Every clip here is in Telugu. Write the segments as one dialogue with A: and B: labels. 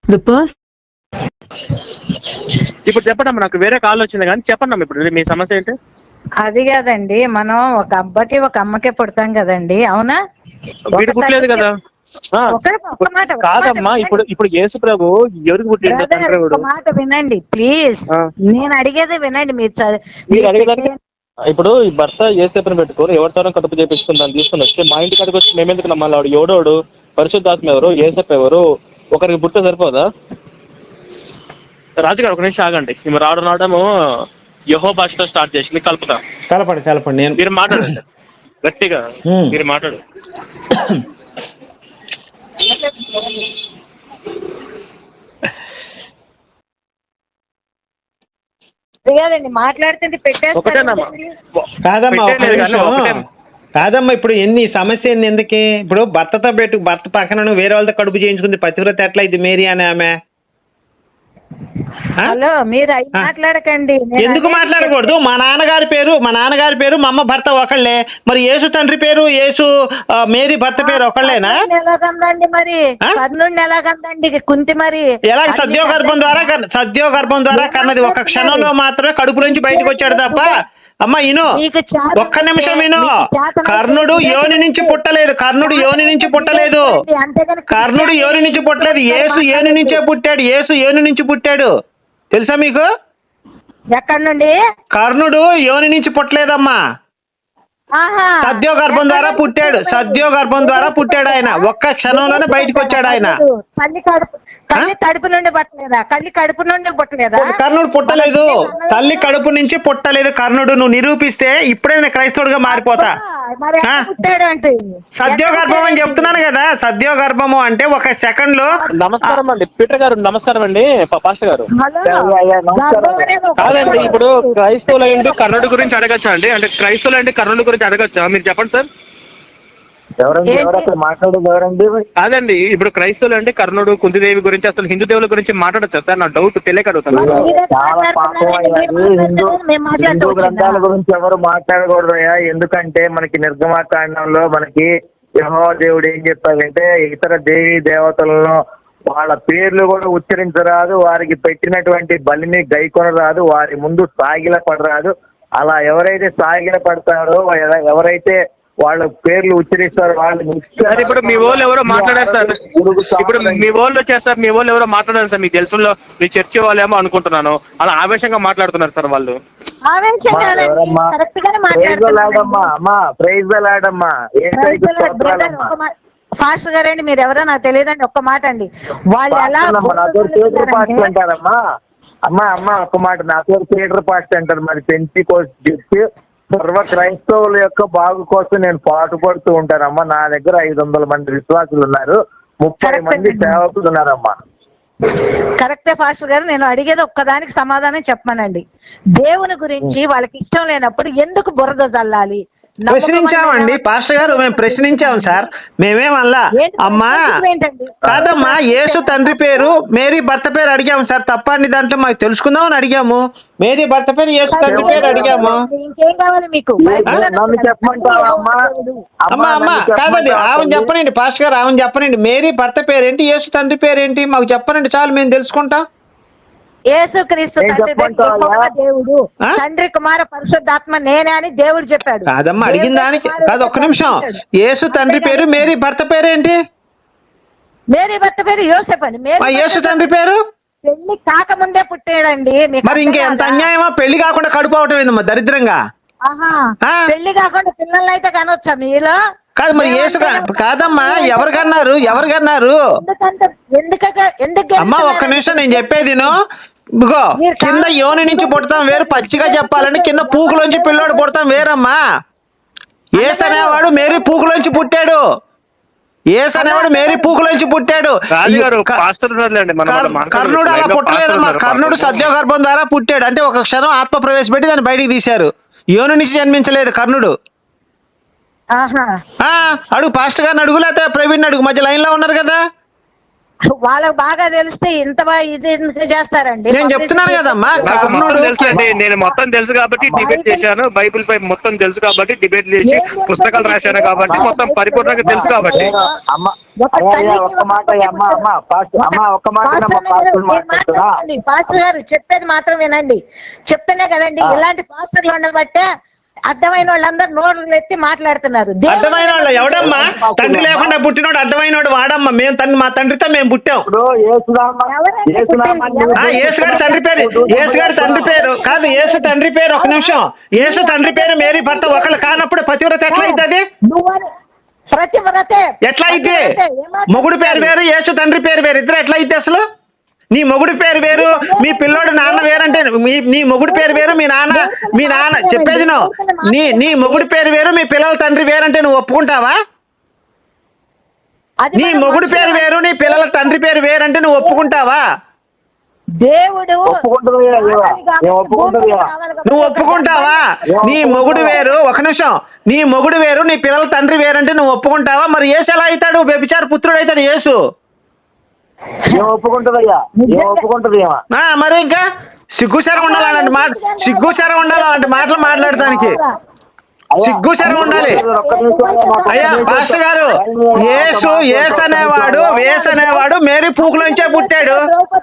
A: The person.
B: ఇప్పుడు చెప్పండి అమ్మా, నాకు వేరే కాల్ వచ్చింది కానీ చెప్పండి అమ్మా, ఇప్పుడు మీ సమస్య ఏంటి?
C: అది కాదండి, మనం ఒక అబ్బకి ఒక అమ్మకే పుడతాం కదండి, అవునా?
B: వీడు పుట్టలేదు కదా.
C: ఒక్క మాట
B: కాదమ్మా, ఇప్పుడు యేసు ప్రభు ఎవరికి పుట్టిండు? తండ్రి
C: ఒక మాట వినండి ప్లీజ్. నేను అడిగేది వినండి.
B: మీరు అడిగేదానికి ఇప్పుడు ఈ భర్త యేసేపుని పెట్టుకోరు, ఎవరితోనో కడుపు చేపించుకుని తీసుకుని వచ్చి మా ఇంటి కాడికి వచ్చి మేమెందుకు నమ్మాలి? వాడు ఎవడోడు, పరిశుద్ధాత్మ ఎవరు, యేసప్ప ఎవరు, ఒకరికి పుట్ట సరిపోదా? రాజుగారు ఒక నిమిషం ఆగండి. మేము రావడము యెహోవా భాషతో స్టార్ట్ చేసింది, కలపండి. మీరు మాట్లాడండి గట్టిగా, మీరు మాట్లాడు.
C: కాదండి, మాట్లాడుతుంటే
D: కాదమ్మా, ఇప్పుడు సమస్య ఎందుకే? ఇప్పుడు భర్త పక్కన వేరే వాళ్ళతో కడుపు చేయించుకుంది పతివ్రత ఎట్లా ఇది మేరీ అనే ఆమె?
C: హలో, మీరు అవి మాట్లాడకండి.
D: ఎందుకు మాట్లాడకూడదు? మా నాన్నగారి పేరు మా అమ్మ భర్త ఒకళ్ళే, మరి యేసు తండ్రి పేరు మేరీ భర్త పేరు ఒకళ్ళేనా?
C: ఎలాగందండి మరి? కర్ణుడిని ఎలాగందండి కుంతి? మరి
D: ఎలా? సద్యోగర్భం ద్వారా కన్నది. ఒక క్షణంలో మాత్రమే కడుపులోంచి బయటకు వచ్చాడు తప్ప. అమ్మా ఇను, ఒక్క నిమిషం విను. కర్ణుడు యోని నుంచి పుట్టలేదు. కర్ణుడు యోని నుంచి పుట్టలేదు. యేసు యోని నుంచే పుట్టాడు. యేసు యోని నుంచి పుట్టాడు. తెలుసా మీకు?
C: ఎక్కడి నుండి?
D: కర్ణుడు యోని నుంచి పుట్టలేదమ్మా, సద్యోగర్భం ద్వారా పుట్టాడు ఆయన. ఒక్క క్షణంలోనే బయటకు వచ్చాడు ఆయన.
C: కడుపు నుండి పుట్టలేదా? కడుపు నుండి పుట్టలేదా?
D: కర్ణుడు పుట్టలేదు, తల్లి కడుపు నుంచి పుట్టలేదు కర్ణుడు. నువ్వు నిరూపిస్తే ఇప్పుడే నేను క్రైస్తవుడిగా మారిపోతా. సద్యోగర్భం అని చెప్తున్నాను కదా. సద్యోగర్భము అంటే ఒక సెకండ్ లో.
B: నమస్కారం అండి పీటర్ గారు. నమస్కారం అండి పాస్టర్ గారు. కాదండి, ఇప్పుడు క్రైస్తవులు ఏంటి కర్ణుడి గురించి అడగచ్చా అండి? అంటే క్రైస్తవులు ఏంటి కర్ణుడి గురించి అడగచ్చా? మీరు చెప్పండి సార్. కాదండి, ఇప్పుడు క్రైస్తవులు అంటే కర్ణుడు, కుంతిదేవి గురించి, అసలు హిందూ దేవుల గురించి మాట్లాడచ్చా సార్? నా డౌట్ తెలియక అడుగుతాను.
E: హిందూ గ్రంథాల గురించి ఎవరు మాట్లాడకూడదయా? ఎందుకంటే మనకి నిర్గమాకాండంలో మనకి యెహోవా దేవుడు ఏం చెప్పాడంటే, ఇతర దేవీ దేవతలను వాళ్ళ పేర్లు కూడా ఉచ్చరించరాదు, వారికి పెట్టినటువంటి బలిని గైకొనరాదు, వారి ముందు సాగిల పడరాదు. అలా ఎవరైతే సాగిల పడతారో, ఎవరైతే వాళ్ళ పేర్లు ఉచ్చరిస్తారు వాళ్ళు.
B: ఇప్పుడు మీ వాళ్ళు ఎవరో మాట్లాడారు సార్. ఇప్పుడు మీ వాళ్ళు వచ్చేస్తారు, మీ వాళ్ళు ఎవరో మాట్లాడారు సార్. మీకు తెలుసులో మీ చర్చి వాళ్ళేమో అనుకుంటున్నాను, అలా ఆవేశంగా మాట్లాడుతున్నారు సార్ వాళ్ళు.
C: ఫాస్టర్ గారండి, మీరు ఎవరో నాకు తెలియదండి. ఒక్క మాట అండి, వాళ్ళు ఎలా
E: అంటారమ్మా? అమ్మా ఒక్క మాట, నా పేరు పీటర్ పాస్టర్ అంటారు. మరి పెంటెకోస్తు సర్వ క్రైస్తవుల యొక్క బాగు కోసం నేను పాటుపడుతూ ఉంటానమ్మా. నా దగ్గర 500 మంది విశ్వాసులు ఉన్నారు, 30 మంది సేవకులు ఉన్నారమ్మా.
C: కరెక్టే ఫాస్టర్ గారు. నేను అడిగేది ఒక్కదానికి సమాధానం చెప్పమనండి. దేవుని గురించి వాళ్ళకి ఇష్టం లేనప్పుడు ఎందుకు బురద జల్లాలి?
D: ప్రశ్నించామండి పాస్టర్ గారు, మేము ప్రశ్నించాము సార్. మేమేమల్లా అమ్మా కాదమ్మా, యేసు తండ్రి పేరు మేరీ భర్త పేరు అడిగాము సార్. తప్పండి దాంట్లో మాకు తెలుసుకుందామని అడిగాము. మేరీ భర్త పేరు యేసు తండ్రి పేరు అడిగాము.
C: ఇంకేం కావాలి మీకు?
D: అమ్మా కాదండి, ఆమెను చెప్పనండి పాస్టర్ గారు, ఆమెను చెప్పనండి. మేరీ భర్త పేరేంటి, యేసు తండ్రి పేరేంటి మాకు చెప్పనండి, చాలు మేము తెలుసుకుంటాం.
C: యేసుక్రీస్తు దేవుడు, తండ్రి కుమార పరిశుద్ధాత్మ నేనే అని దేవుడు చెప్పాడు.
D: కాదమ్మా, అడిగిన దానికి కాదు. ఒక్క నిమిషం. యేసు తండ్రి పేరు, మేరీ భర్త పేరేంటి?
C: మేరీ భర్త పేరు యోసేపు అండి.
D: యేసు తండ్రి పేరు
C: పెళ్లి కాకముందే పుట్టాడండి.
D: మరి ఇంకెంత అన్యాయమా? పెళ్లి కాకుండా కడుపు అవటం ఏందమ్మా దరిద్రంగా?
C: పెళ్లి కాకుండా పిల్లల్ని అయితే కనొచ్చా మీలో?
D: కాదు మరి యేసు కాదమ్మా, ఎవరు కన్నారు? అమ్మా ఒక్క నిమిషం, నేను చెప్పేది ఇగో, కింద యోని నుంచి పుడతాం వేరు, పచ్చిగా చెప్పాలంటే కింద పూకులోంచి పిల్లోడు పుడతాం వేరమ్మా. యేసు అనేవాడు మేరీ పూకులోంచి పుట్టాడు. కర్ణుడు అలా పుట్టలేదమ్మా. కర్ణుడు సద్యోగర్భం ద్వారా పుట్టాడు. అంటే ఒక క్షణం ఆత్మ ప్రవేశపెట్టి దాన్ని బయటికి తీశారు. యోని నుంచి జన్మించలేదు కర్ణుడు. అడుగు పాస్టర్ గారిని అడుగు, లేకపోతే ప్రవీణ్ అడుగు, మధ్య లైన్ లో ఉన్నారు కదా.
C: వాళ్ళకు బాగా తెలిస్తే ఇంత ఇది ఎందుకు చేస్తారండి?
D: నేను చెప్తున్నాను కదమ్మా,
B: నాకు మొత్తం
D: కర్ణుడు
B: తెలుసండి, నేను మొత్తం తెలుసు కాబట్టి డిబేట్ చేశాను. బైబిల్ పై మొత్తం తెలుసు కాబట్టి డిబేట్ చేసి పుస్తకాలు రాశాను కాబట్టి మొత్తం పరిపూర్ణంగా తెలుసు కాబట్టి.
E: అమ్మ ఒక్క మాట ఒక్క మాట
C: పాస్టర్ గారు చెప్పేది మాత్రం వినండి. చెప్తేనే కదండి ఇలాంటి పాస్టర్లు ఉండబట్టే అర్థమైన వాళ్ళందరూ నోరు ఎత్తి మాట్లాడుతున్నారు.
D: అర్థమైన వాళ్ళు ఎవడమ్మా? తండ్రి లేకుండా పుట్టినోడు అర్థమైనోడు వాడమ్మా. మేము మా తండ్రితో మేము పుట్టాం. యేసుగాడి తండ్రి పేరు, యేసుగాడి తండ్రి పేరు కాదు, యేసు తండ్రి పేరు. ఒక నిమిషం, యేసు తండ్రి పేరు మేరీ భర్త ఒకళ్ళు కానప్పుడు పతివ్రత ఎట్లా అయింది? అది ఎట్లా అయితే? మొగుడు పేరు వేరు, యేసు తండ్రి పేరు వేరు, ఇద్దరు ఎట్లా అయితే అసలు? నీ మొగుడు పేరు వేరు, మీ పిల్లోడు నాన్న వేరంటే నీ మొగుడు పేరు వేరు, మీ నాన్న చెప్పేది నీ మొగుడు పేరు వేరు, మీ పిల్లల తండ్రి వేరంటే నువ్వు ఒప్పుకుంటావా? నీ మొగుడు పేరు వేరు, నీ పిల్లల తండ్రి పేరు వేరంటే నువ్వు ఒప్పుకుంటావా?
C: దేవుడు
D: నువ్వు ఒప్పుకుంటావా? నీ మొగుడు వేరు, ఒక నిమిషం, నీ మొగుడు వేరు, నీ పిల్లల తండ్రి వేరంటే నువ్వు ఒప్పుకుంటావా? మరి యేసు ఎలా అవుతాడు? వ్యభిచార పుత్రుడు అవుతాడు యేసు. మరి ఇంకా సిగ్గుశరం ఉండాలి అలాంటి మాట, సిగ్గుశరం ఉండాలి అలాంటి మాటలు మాట్లాడటానికి, సిగ్గుశరం ఉండాలి. అయ్యా పాస్టర్ గారు, యేసు అనేవాడు మేరీ పూకులోంచే పుట్టాడు.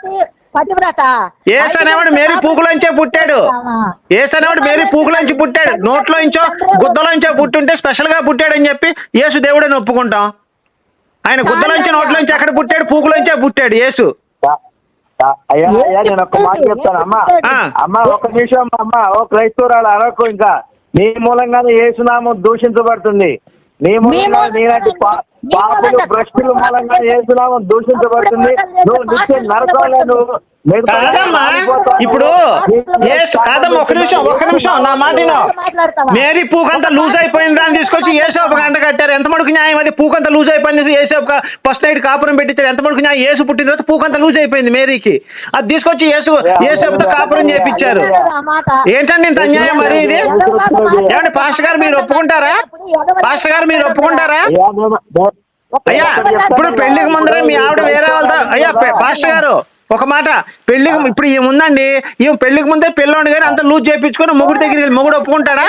D: యేసు అనేవాడు మేరీ పూకులోంచే పుట్టాడు. యేసు అనేవాడు మేరీ పూకులోంచి పుట్టాడు. నోట్లోంచో గుద్దలోంచో పుట్టుంటే స్పెషల్ గా పుట్టాడు అని చెప్పి యేసు దేవుడని ఒప్పుకుంటాం. ఆయన గుద్దలోంచి నోట్లోంచి ఎక్కడ పుట్టాడు? పూకులోంచే పుట్టాడు యేసు.
E: అయ్యా నేను ఒక్క మాట చెప్తాను అమ్మా ఒక నిమిషం అమ్మా. ఓ క్రైస్తవురాలు అరకు, ఇంకా నీ మూలంగానే యేసునామం దూషించబడుతుంది. నీ మూలంగా నీలాంటి పాపులు భ్రష్టుల మూలంగా యేసునామం దూషించబడుతుంది. నువ్వు నిత్య నరకంలో నువ్వు
D: కాదమ్మా. ఇప్పుడు కాదమ్మా, ఒక నిమిషం నా మాట. మేరీ పూకంతా లూజ్ అయిపోయింది, దాన్ని తీసుకొచ్చి యేసోపు గంట కట్టారు. ఎంత మడుకు న్యాయం అది? పూకంతా లూజ్ అయిపోయింది, యేసోపు ఫస్ట్ నైట్ కాపురం పెట్టించారు. ఎంత మడుకు న్యాయం? యేసు పుట్టిన తర్వాత పూకంతా లూజ్ అయిపోయింది మేరీకి, అది తీసుకొచ్చి యేసోపుతో కాపురం చేయించారు. ఏంటండి ఇంత అన్యాయం మరి ఇది? ఏమండి పాస్టర్ గారు మీరు ఒప్పుకుంటారా? పాస్టర్ గారు మీరు ఒప్పుకుంటారా? అయ్యా ఇప్పుడు పెళ్లికి ముందరే మీ ఆవిడ వేరే వాళ్ళతో, అయ్యా పాస్టర్ గారు ఒక మాట, పెళ్లికి ఇప్పుడు ఈముందండి, ఈ పెళ్లికి ముందే పిల్లోని కానీ అంత లూజ్ చేయించుకొని మొగుడు దగ్గరికి మొగుడు ఒప్పుకుంటాడా?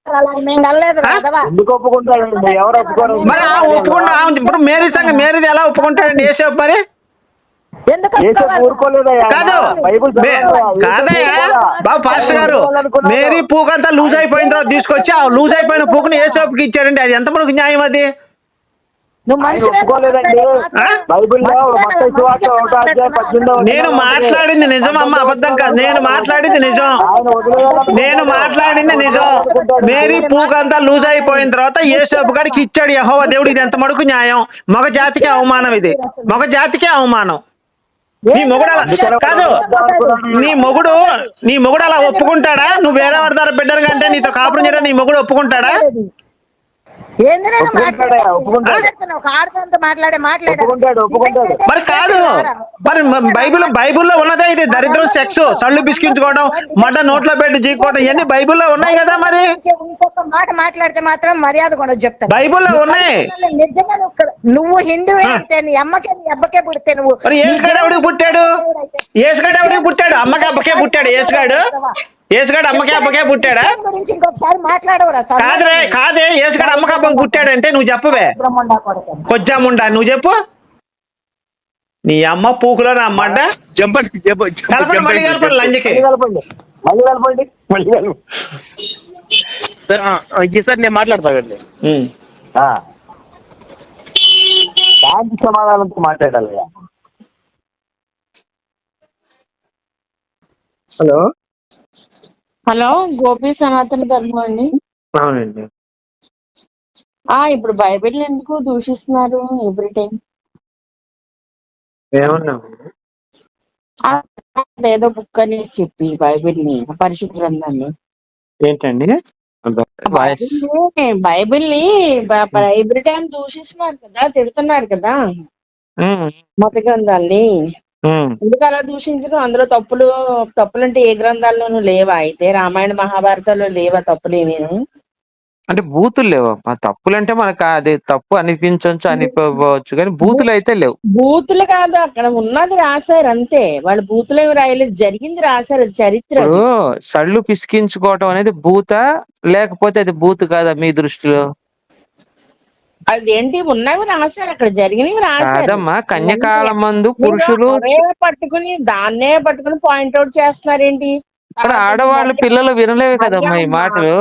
D: మరి ఒప్పుకుంటా. ఇప్పుడు మేరీ సంగతి, మేరీది ఎలా ఒప్పుకుంటాడండి యేసోపు? మరి కాదు కాదయ్యా బాబు పాస్టర్ గారు, మేరీ పూకంతా లూజ్ అయిపోయిన తర్వాత తీసుకొచ్చి ఆ లూజ్ అయిపోయిన పూకుని యేసోపుకి ఇచ్చాడండి. అది ఎంత మనకు న్యాయం? అది నేను మాట్లాడింది నిజం అమ్మ, అబద్ధం కాదు. నేను మాట్లాడింది నిజం. మేరీ పూకంతా లూజ్ అయిపోయిన తర్వాత యేసోపు గారికి ఇచ్చాడు యెహోవా దేవుడు. ఇది ఎంత మడుకు న్యాయం? మగ జాతికి అవమానం, ఇది మగ జాతికి అవమానం. నీ మొగుడు అలా కాదు, నీ మొగుడు అలా ఒప్పుకుంటాడా? నువ్వు వేరే వాడి ద్వారా బిడ్డలు కంటే నీతో కాపురం చేయడం నీ మొగుడు ఒప్పుకుంటాడా? మరి కాదు, మరి బైబిల్లో ఉన్నదే ఇది. దరిద్రం, సెక్స్, సళ్ళు బిస్కించుకోవడం, మడ్డ నోట్లో పెట్టి జీకోవడం, ఇవన్నీ బైబిల్లో ఉన్నాయి కదా. మరి
C: ఇంకొక మాట మాట్లాడితే మాత్రం మర్యాద కూడా చెప్తాను.
D: బైబిల్లో ఉన్నాయి.
C: నిజంగా నువ్వు హిందూ అయితే నీ అబ్బకే పుడితే నువ్వు
D: యేసుగాడు ఎవడికి పుట్టాడు? అమ్మకి అబ్బకే పుట్టాడు యేసుగాడు అమ్మకే అబ్బకే పుట్టాడా? కాదే యేసుగాడు అమ్మకి అబ్బకి పుట్టాడంటే నువ్వు చెప్పవే కొజ్జాముండా, నువ్వు చెప్పు. నీ అమ్మ పూకులో నా అమ్మంట కలపండి లంజకి.
B: సార్ నేను మాట్లాడతానండి.
E: శాంతి సమాధానంతో మాట్లాడాలి.
A: హలో, గోపి సనాతన ధర్మం అండి.
D: అవునండి.
A: ఇప్పుడు బైబిల్ ఎందుకు దూషిస్తున్నారు ఎవ్రీ టైం? ఏదో బుక్ అనేసి చెప్పి బైబిల్ని, పరిశుద్ధ గ్రంథాన్ని
D: ఏంటండి
A: బైబిల్ని ఎవ్రీ టైం దూషిస్తున్నారు కదా, తిడుతున్నారు కదా మత గ్రంథాల్ని. ఎందుకు అలా దూషించడం? అందులో తప్పులంటే ఏ గ్రంథాల్లోనూ లేవా? అయితే రామాయణ మహాభారతాల్లో లేవా తప్పులు ఏమేమి?
D: అంటే బూతులు లేవమ్మా. తప్పులంటే మనకు అది తప్పు అనిపించవచ్చు, అనిపించవచ్చు, కానీ బూతులు అయితే లేవు.
A: బూతులు కాదు, అక్కడ ఉన్నది రాశారు అంతే. వాళ్ళు బూతులు ఏమి రాయలేదు, జరిగింది రాశారు, చరిత్ర అది.
D: ఇప్పుడు సళ్ళు పిసికించుకోవటం అనేది బూత, లేకపోతే అది బూతు కాదా మీ దృష్టిలో?
A: అదేంటి, ఉన్నవి రాశారు, అక్కడ జరిగినవి రాశారు.
D: కాదమ్మా, కన్యకాలం మందు
A: మీరు
D: పురుషులు
A: దాన్నే పట్టుకుని పాయింట్అవుట్ చేస్తున్నారేంటి?
D: మరి ఆడవాళ్ళు పిల్లలు వినలేవు కదమ్మా ఈ మాటలు.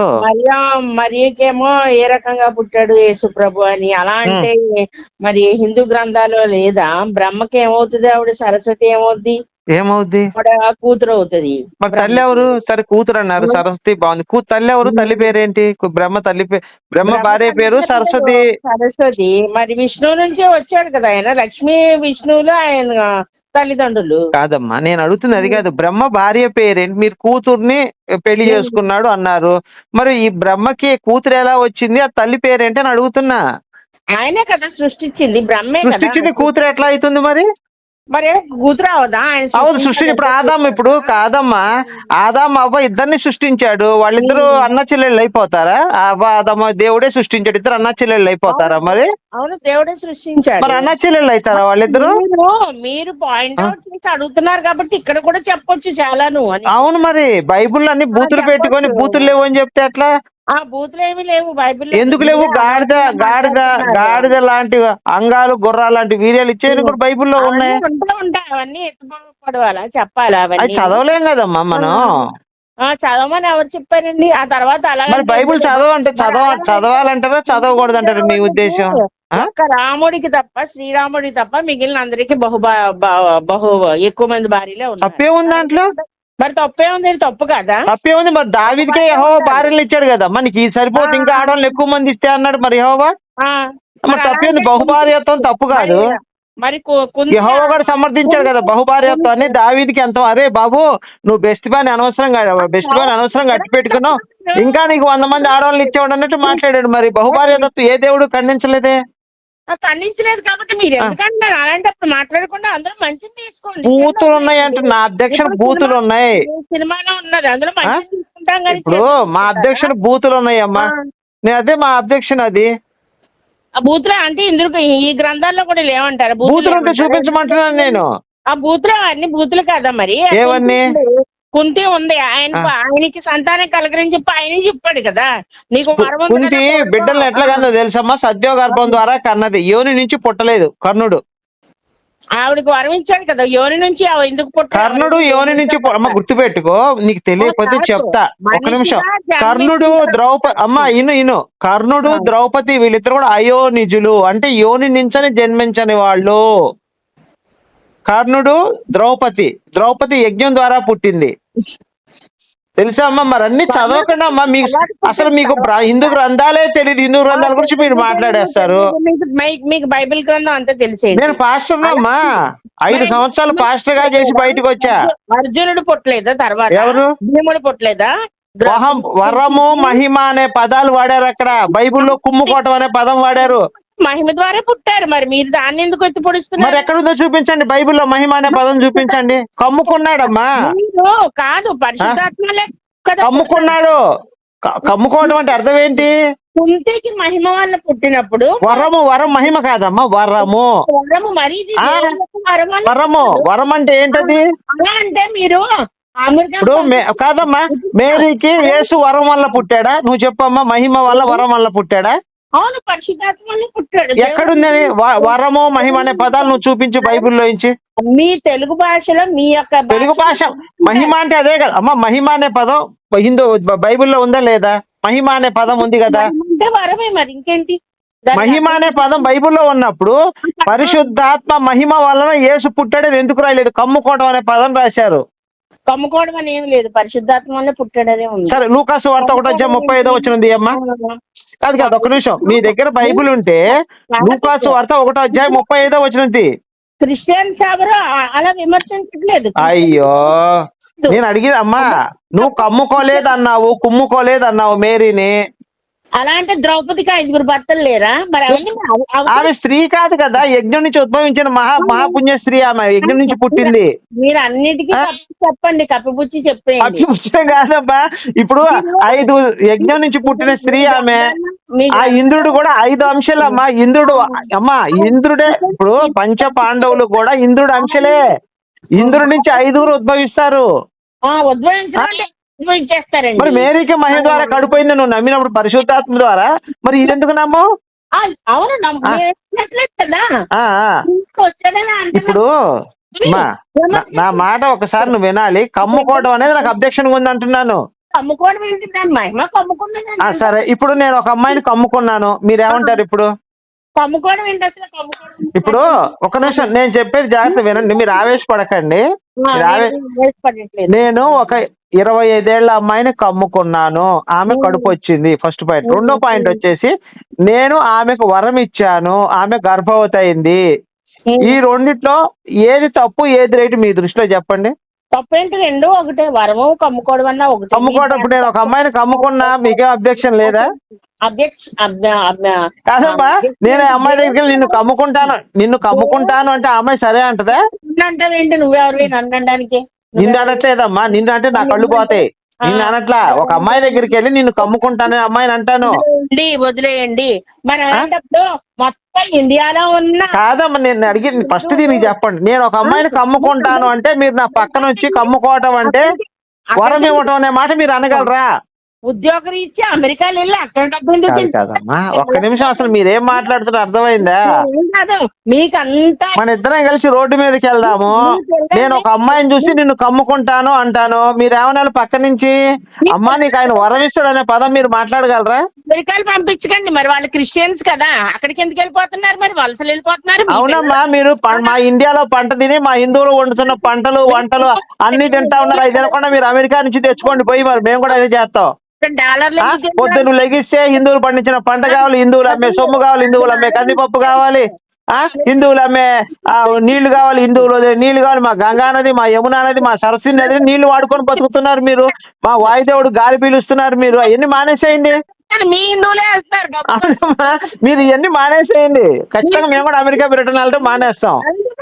A: మరియకేమో ఏ రకంగా పుట్టాడు యేసు ప్రభు అని అలా అంటే మరి హిందూ గ్రంథాలు లేదా? బ్రహ్మకి ఏమవుతుంది, ఆవిడ సరస్వతి ఏమవుద్ది?
D: ఏమవుద్ది?
A: కూతురు అవుతుంది.
D: మరి తల్లి ఎవరు? సరే కూతురు అన్నారు, సరస్వతి బాగుంది. తల్లి ఎవరు? తల్లి పేరేంటి? బ్రహ్మ తల్లి బ్రహ్మ భార్య పేరు సరస్వతి.
A: సరస్వతి మరి విష్ణువు నుంచే వచ్చాడు కదా ఆయన. లక్ష్మీ విష్ణువులు ఆయన తల్లిదండ్రులు.
D: కాదమ్మా, నేను అడుగుతుంది అది కాదు. బ్రహ్మ భార్య పేరేంటి? మీరు కూతుర్ని పెళ్లి చేసుకున్నాడు అన్నారు, మరి ఈ బ్రహ్మకి కూతురు ఎలా వచ్చింది? ఆ తల్లి పేరేంటి అని అడుగుతున్నా.
A: ఆయనే కదా సృష్టించింది, బ్రహ్మే
D: సృష్టించింది. కూతురు ఎట్లా అవుతుంది మరి?
A: మరి కూతురు అవదా?
D: అవును, సృష్టి. ఇప్పుడు ఆదాం, ఇప్పుడు కాదమ్మా, ఆదాం అవ్వ ఇద్దరిని సృష్టించాడు, వాళ్ళిద్దరు అన్న చెల్లెళ్ళు అయిపోతారా? అవ్వ ఆదామ దేవుడే సృష్టించాడు, ఇద్దరు అన్న చెల్లెళ్ళు అయిపోతారా మరి?
A: అవును, దేవుడే సృష్టించాడు.
D: మరి అన్న చెల్లెళ్ళు అవుతారా వాళ్ళిద్దరు?
A: మీరు పాయింట్ అవుట్ చేసి అడుగుతున్నారు కాబట్టి ఇక్కడ కూడా చెప్పొచ్చు చాలాను అని.
D: అవును, మరి బైబుల్ అన్ని బూతులు పెట్టుకొని బూతులు లేవు అని చెప్తే ఎట్లా?
A: ఆ బూతులు ఏమి లేవు బైబిల్.
D: ఎందుకు లేవు? గాడిద గాడిద గాడిద లాంటి అంగాలు, గుర్రాలు లాంటి వీర్యాలు ఇచ్చేవి కూడా బైబుల్లో ఉన్నాయి.
A: ఉంటాయి అవన్నీ ఎత్తుపడవాలా, చెప్పాలా?
D: అది చదవలేం కదమ్మా మనం.
A: చదవమని ఎవరు చెప్పారండి? ఆ తర్వాత అలా
D: మరి బైబుల్ చదవాలంటారా చదవకూడదంటారా మీ ఉద్దేశం?
A: ఒక్క రాముడికి తప్ప, శ్రీరాముడికి తప్ప మిగిలిన అందరికి బహు ఎక్కువ మంది భార్యలే ఉన్నారు.
D: తప్పే ఉంది దాంట్లో?
A: మరి తప్పే ఉంది, తప్పు కదా?
D: తప్పే ఉంది. మరి దావీదుకే యెహోవా భార్యలు ఇచ్చాడు కదా, మనకి సరిపోతే ఇంకా ఆడవాళ్ళు ఎక్కువ మంది ఇస్తే అన్నాడు మరి యెహోవా. మరి తప్పే ఉంది. బహుభార్యత్వం తప్పు కాదు.
A: మరి
D: యెహోవా కూడా సమర్థించాడు కదా బహుభార్యత్వాన్ని. దావీదుకి ఎంత, అరే బాబు నువ్వు బెస్ట్ బాని అనవసరంగా అట్టి పెట్టుకున్నావు, ఇంకా నీకు 100 మంది ఆడవాళ్ళని ఇచ్చేవాడు అన్నట్టు మాట్లాడాడు. మరి బహుభార్యత్వం ఏ దేవుడు ఖండించలేదే?
A: ఖండించలేదు కాబట్టి మీరు ఎందుకంటే అలాంటప్పుడు మాట్లాడకుండా అందరూ మంచిని తీసుకోండి.
D: బూతులు ఉన్నాయి అంటే నా అధ్యక్షుడు బూతులు ఉన్నాయి.
A: సినిమాలో ఉన్నది, అందులో మంచిని తీసుకుంటాం కానీ
D: ఇప్పుడు మా అధ్యక్షుడు బూతులు ఉన్నాయి అమ్మా. నేను అదే మా అధ్యక్షుడు. అది
A: ఆ బూతులు అంటే ఇందులో ఈ గ్రంథాల్లో కూడా లేవంటారు.
D: బూతులు ఉంటే చూపించమంటున్నాను నేను.
A: ఆ బూతులు అన్ని బూతులు కదా మరి.
D: ఏవన్నీ?
A: కుంతి ఉంది, ఆయనకి సంతానం కలగరని చెప్పి ఆయన చెప్పాడు కదా. నీకు
D: కుంతి బిడ్డలను ఎట్లా కన్నదో తెలుసమ్మా? సద్యోగర్భం ద్వారా కన్నది, యోని నుంచి పుట్టలేదు. కర్ణుడు
A: ఆవిడకి వరం ఇచ్చాడు కదా, యోని నుంచి ఎందుకు పుట్టాడు?
D: కర్ణుడు యోని నుంచి అమ్మ గుర్తుపెట్టుకో, నీకు తెలియకపోతే చెప్తా ఒక్క నిమిషం. కర్ణుడు కర్ణుడు ద్రౌపది వీళ్ళిద్దరు కూడా అయోనిజులు, అంటే యోని నుంచని జన్మించని వాళ్ళు. కర్ణుడు ద్రౌపది యజ్ఞం ద్వారా పుట్టింది, తెలుసా అమ్మా? మరి అన్ని చదవకుండా అమ్మా, మీకు అసలు మీకు హిందూ గ్రంథాలే తెలియదు. హిందూ గ్రంథాల గురించి మీరు మాట్లాడేస్తారు.
A: మీకు బైబిల్ గ్రంథం అంతా తెలిసే.
D: నేను పాస్టర్ అమ్మా, 5 సంవత్సరాలు పాస్టర్ గా చేసి బయటకు వచ్చా.
A: అర్జునుడు పుట్టలేదా? తర్వాత
D: ఎవరు?
A: భీముడు పుట్టలేదా?
D: వరము మహిమ అనే పదాలు వాడారు అక్కడ. బైబిల్లో కుమ్ముకోవటం అనే పదం వాడారు.
A: మహిమ ద్వారా పుట్టారు, మరి మీరు దాన్ని ఎందుకు ఎత్తి పొడుస్తున్నారు?
D: మరి ఎక్కడుందో చూపించండి, బైబిల్లో మహిమ అనే పదం చూపించండి. కమ్ముకున్నాడమ్మా.
A: కాదు, పరిశుద్ధాత్మలే
D: కమ్ముకున్నాడు. కమ్ముకోవడం అంటే అర్థం ఏంటి?
A: కుంతికి మహిమ వల్ల పుట్టినప్పుడు
D: వరం మహిమ కాదమ్మా, వరము. వరం అంటే ఏంటది?
A: అలా అంటే మీరు
D: ఇప్పుడు కాదమ్మా, మేరీకి యేసు వరం వల్ల పుట్టాడా? నువ్వు చెప్పమ్మా, మహిమ వల్ల వరం వల్ల పుట్టాడా?
A: అవును, పరిశుద్ధాత్మ వల్ల పుట్టాడు.
D: ఎక్కడుంది వరము మహిమ అనే పదాలు? నువ్వు చూపించు బైబిల్లో నుంచి.
A: మీ తెలుగు భాషలో మీ యొక్క
D: తెలుగు భాష మహిమ అంటే అదే కదా అమ్మా. మహిమ అనే పదం హిందూ బైబిల్లో ఉందా లేదా? మహిమ అనే పదం ఉంది కదా.
A: అంటే వరమే, మరి ఇంకేంటి?
D: మహిమ అనే పదం బైబిల్లో ఉన్నప్పుడు పరిశుద్ధాత్మ మహిమ వలన యేసు పుట్టాడని ఎందుకు రాయలేదు? కమ్ముకోవడం అనే పదం రాశారు.
A: కమ్ముకోవడం అని ఏమి లేదు, పరిశుద్ధాత్మ వల్ల పుట్టాడనే ఉంది.
D: సరే, లూకాసు వార్త 1:35 అమ్మా. కాదు ఒక్క నిమిషం, మీ దగ్గర బైబిల్ ఉంటే లూకాసు వార్త 1:35
A: క్రిస్టియన్స్ ఎవరు అలా విమర్శించట్లేదు.
D: అయ్యో, నేను అడిగేది అమ్మా, నువ్వు కమ్ముకోలేదు అన్నావు, కుమ్ముకోలేదు అన్నావు మేరీని.
A: అలా అంటే ద్రౌపదికి 5 భర్తలు లేరా? మరి అవన్నీ
D: ఆమె స్త్రీ కాదు కదా, యజ్ఞం నుంచి ఉద్భవించిన మహాపుణ్య స్త్రీ, ఆమె యజ్ఞం నుంచి పుట్టింది.
A: మీరు అన్నిటికీ చెప్పండి, కప్పిపుచ్చి చెప్పేయండి.
D: అభిపుచ్చడం కాదమ్మా, ఇప్పుడు 5 యజ్ఞం నుంచి పుట్టిన స్త్రీ ఆమె. ఆ ఇంద్రుడు కూడా 5 అంశాలమ్మా. ఇంద్రుడు అమ్మా, ఇంద్రుడే. ఇప్పుడు పంచ పాండవులు కూడా ఇంద్రుడు అంశలే. ఇంద్రుడి నుంచి 5 ఉద్భవిస్తారు.
A: ఉద్భవించేస్తారండి.
D: మరి మేరీకి మహిమ ద్వారా కడిపోయింది నువ్వు నమ్మినప్పుడు పరిశుద్ధాత్మ ద్వారా, మరి ఇదెందుకు నమ్మవు?
A: అవును, కదా.
D: ఇప్పుడు నా మాట ఒకసారి నువ్వు వినాలి. కమ్ముకోవడం అనేది నాకు అబ్జెక్షన్ ఉంది అంటున్నాను.
A: కమ్ముకోవడం ఏంటి? దాని మహిమ కమ్ముకున్నది.
D: సరే, ఇప్పుడు నేను ఒక అమ్మాయిని కమ్ముకున్నాను, మీరేమంటారు ఇప్పుడు?
A: కమ్ముకోవడం ఏంటి అసలు?
D: ఇప్పుడు ఒక నిమిషం, నేను చెప్పేది జాగ్రత్త వినండి, మీరు ఆవేశపడకండి. నేను ఒక 25 ఏళ్ల అమ్మాయిని కమ్ముకున్నాను, ఆమె కడుపు వచ్చింది, ఫస్ట్ పాయింట్. రెండో పాయింట్ వచ్చేసి, నేను ఆమెకు వరం ఇచ్చాను, ఆమె గర్భవతి అయింది. ఈ రెండిట్లో ఏది తప్పు, ఏది రైట్ మీ దృష్టిలో చెప్పండి.
A: తప్పేంటి? రెండు ఒకటే. వరము కమ్ముకోవడం అన్నా ఒకటే.
D: కమ్ముకోవడం, ఇప్పుడు నేను ఒక అమ్మాయిని కమ్ముకున్నా, మీకేం అబ్జెక్షన్ లేదా? కాదమ్మా, నేను ఆ అమ్మాయి దగ్గరికి వెళ్ళి నిన్ను కమ్ముకుంటాను అంటే ఆ అమ్మాయి సరే అంటదా?
A: అంటావేంటి? నువ్వెవరివి నన్ను అనడానికి?
D: నిన్ను అనట్లేదమ్మా, నిన్ను అంటే నా కళ్ళు పోతాయి. నిన్ను అనట్లా. ఒక అమ్మాయి దగ్గరికి వెళ్ళి నిన్ను కమ్ముకుంటానని అమ్మాయిని అంటాను.
A: వదిలేయండి. మరి అలాంటప్పుడు మొత్తం ఇండియాలో ఉన్న
D: కాదమ్మా, నేను అడిగింది ఫస్ట్ దీనికి చెప్పండి. నేను ఒక అమ్మాయిని కమ్ముకుంటాను అంటే మీరు నా పక్కన వచ్చి కమ్ముకోవటం అంటే వరం ఇవ్వటం అనే మాట మీరు అనగలరా?
A: ఉద్యోగరీత్యా అమెరికాలో వెళ్ళి అక్కడ డబ్బు
D: కాదమ్మా, ఒక్క నిమిషం, అసలు మీరేం మాట్లాడుతున్నారు అర్థమైందా?
A: మీకంతా
D: మన ఇద్దరం కలిసి రోడ్డు మీదకి వెళ్దాము. నేను ఒక అమ్మాయిని చూసి నిన్ను కమ్ముకుంటాను అంటాను, మీరేమన్నా పక్క నుంచి అమ్మా నీకు ఆయన వరం ఇస్తాడు అనే పదం మీరు మాట్లాడగలరా?
A: అమెరికాలు పంపించకండి. మరి వాళ్ళు క్రిస్టియన్స్ కదా, అక్కడికి ఎందుకు వెళ్ళిపోతున్నారు? మరి వలసలు వెళ్ళిపోతున్నారు.
D: అవునమ్మా, మీరు మా ఇండియాలో పంట తిని మా హిందువులు వండుతున్న పంటలు వంటలు అన్ని తింటా ఉన్నారు. అది తినకుండా మీరు అమెరికా నుంచి తెచ్చుకోండి పోయి, మరి మేము కూడా అదే చేస్తాం. పొద్దున్న లెగిస్తే హిందువులు పండించిన పంట కావాలి, హిందువులు అమ్మే సొమ్ము కావాలి, హిందువులు అమ్మే కందిపప్పు కావాలి, హిందువులు అమ్మే నీళ్లు కావాలి, హిందువులు నీళ్లు కావాలి. మా గంగా నది, మా యమునా నది, మా సరస్వతి నది నీళ్లు వాడుకొని బతుకుతున్నారు మీరు. మా వాయుదేవుడు గాలి పీలుస్తున్నారు. మీరు అవన్నీ మానేసేయండి.
A: మీ హిందువులే వేస్తారు.
D: మీరు ఇవన్నీ మానేసేయండి. ఖచ్చితంగా మేము కూడా అమెరికా బ్రిటన్ వెళ్ళడం మానేస్తాం.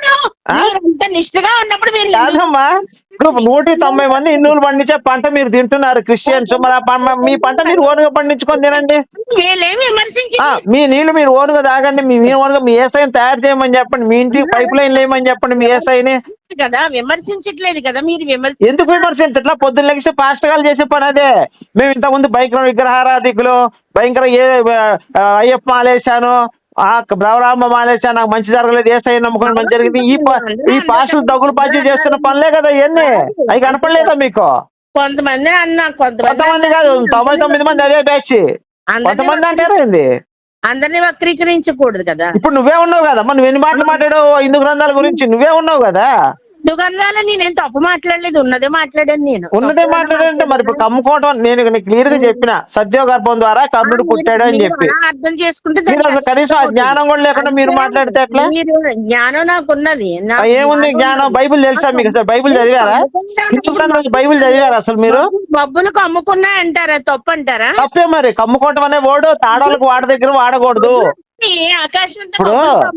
A: నిష్ఠగా ఉన్నప్పుడు మీరు
D: కాదమ్మా, ఇప్పుడు 190 మంది హిందువులు పండించే పంట మీరు తింటున్నారు క్రిస్టియన్స్. మరి మీ పంట మీరు ఓనుగా పండించుకొని తినండి. మీ నీళ్లు మీరు ఓనుగా తాగండి. మీ ఓనుగా మీ ఏసైని తయారు చేయమని చెప్పండి. మీ ఇంటికి పైప్ లైన్ లేమని చెప్పండి మీ ఏసైని.
A: కదా విమర్శించట్లేదు కదా మీరు.
D: ఎందుకు విమర్శించట్లా? పొద్దున్న లెగిస్తే పాస్టర్ గారు చేసే పని అదే. మేము ఇంతకుముందు భయంకర విగ్రహారాధికులు, భయంకర అయ్యప్ప మాలేశాను, బ్రవరామ మాలేశాను, నాకు మంచి జరగలేదు, ఏసై నమ్ముకుని మంచి జరిగింది. ఈ పాస్టర్లు దగ్గులు పాచి చేస్తున్న పనులే కదా ఇవన్నీ. అవి కనపడలేదా మీకు?
A: కొంతమంది
D: కొంతమంది కాదు, 99 మంది అదే బ్యాచ్. కొంతమంది అంటారా ఏంది?
A: అందరినీ వక్రీకరించకూడదు కదా.
D: ఇప్పుడు నువ్వే ఉన్నావు కదా, నువ్వు ఎన్ని మాటలు మాట్లాడావు హిందూ గ్రంథాల గురించి? నువ్వే ఉన్నావు కదా.
A: హిందూ గ్రంథాలు నేనేం తప్పు మాట్లాడలేదు, ఉన్నదే మాట్లాడాను. నేను
D: ఉన్నదే మాట్లాడంటే మరి ఇప్పుడు కమ్ముకోవడం నేను క్లియర్ గా చెప్పిన, సద్యోగర్భం ద్వారా కర్ణుడు పుట్టాడు అని చెప్పి.
A: అర్థం చేసుకుంటే
D: కనీసం ఆ జ్ఞానం కూడా లేకుండా మీరు మాట్లాడితే ఎట్లా?
A: జ్ఞానం నాకు ఉన్నది.
D: ఏముంది జ్ఞానం? బైబిల్ తెలుసా మీకు? అసలు బైబిల్ చదివారా? హిందూ గ్రంథాలు బైబిల్ చదివారా అసలు మీరు?
A: మబ్బులు కమ్ముకున్నా అంటారా? తప్పు అంటారా?
D: తప్పే మరి. కమ్ముకోవటం అనే వర్డ్ తాడాలకు వాడి దగ్గర వాడకూడదు. ఇప్పుడు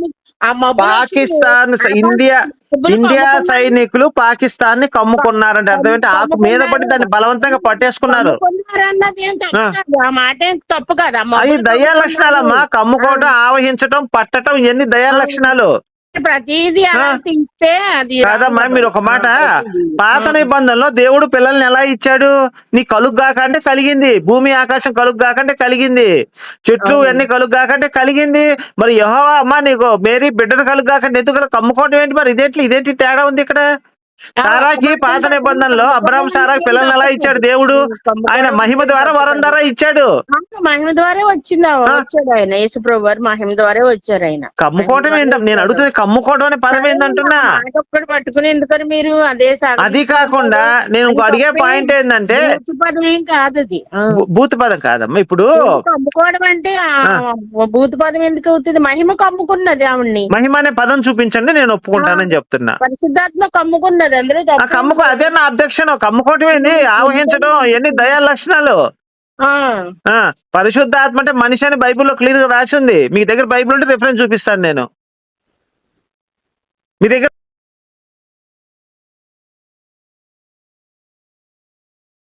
D: పాకిస్తాన్ ఇండియా సైనికులు పాకిస్తాన్ ని కమ్ముకున్నారంటే అర్థం ఏంటి? ఆకు మీద పడి దాన్ని బలవంతంగా పట్టేసుకున్నారు.
A: తప్పు కదా.
D: అది దయా లక్షణాలమ్మా. కమ్ముకోవటం, ఆవహించటం, పట్టటం ఇవన్నీ దయా లక్షణాలు.
A: ప్రతిదీ
D: కాదమ్మా, మీరు ఒక మాట, పాత నిబంధనలో దేవుడు పిల్లల్ని ఎలా ఇచ్చాడు? నీ కలుగ్గాక అంటే కలిగింది, భూమి ఆకాశం కలుగ్గాకంటే కలిగింది, చెట్లు అన్ని కలుగ్గాకంటే కలిగింది. మరి యెహోవా అమ్మా నీకు మేరీ బిడ్డను కలుగ్గాకంటే ఎందుకు? కమ్ముకోవటం ఏంటి మరి? ఇదేంటి తేడా ఉంది ఇక్కడ? సారాకి పాత నిబంధనలో అబ్రహాం సారాకి పిల్లల్ని ఎలా ఇచ్చాడు దేవుడు? ఆయన మహిమ ద్వారా వరం ద్వారా ఇచ్చాడు.
A: మహిమ ద్వారా వచ్చాడు ఆయన. యేసుప్రభు వారు మహిమ ద్వారా వచ్చారు ఆయన.
D: కమ్ముకోవటం ఏంటంటే నేను అడుగుతుంది, కమ్ముకోవడం అనే పదం ఏంటంటున్నా.
A: పట్టుకుని ఎందుకని మీరు అదే?
D: అది కాకుండా నేను ఇంకో అడిగే పాయింట్ ఏంటంటే,
A: పదం ఏం కాదు అది.
D: భూత పదం కాదమ్మా. ఇప్పుడు
A: కమ్ముకోవడం అంటే భూత పదం ఎందుకు అవుతుంది? మహిమ కమ్ముకున్నది ఆవిడ్ని.
D: మహిమ అనే పదం చూపించండి, నేను ఒప్పుకుంటానని చెప్తున్నా.
A: పరిశుద్ధాత్మ కమ్ముకున్నది.
D: అదే నా అబ్జెక్షన్. కమ్ముకోవటం ఏంది? ఆవహించడం ఇవన్నీ దయా లక్షణాలు. పరిశుద్ధాత్మ అంటే మనిషి అని బైబిల్లో క్లియర్ గా రాసి ఉంది. మీ దగ్గర బైబిల్ ఉంటే రిఫరెన్స్ చూపిస్తాను నేను. మీ దగ్గర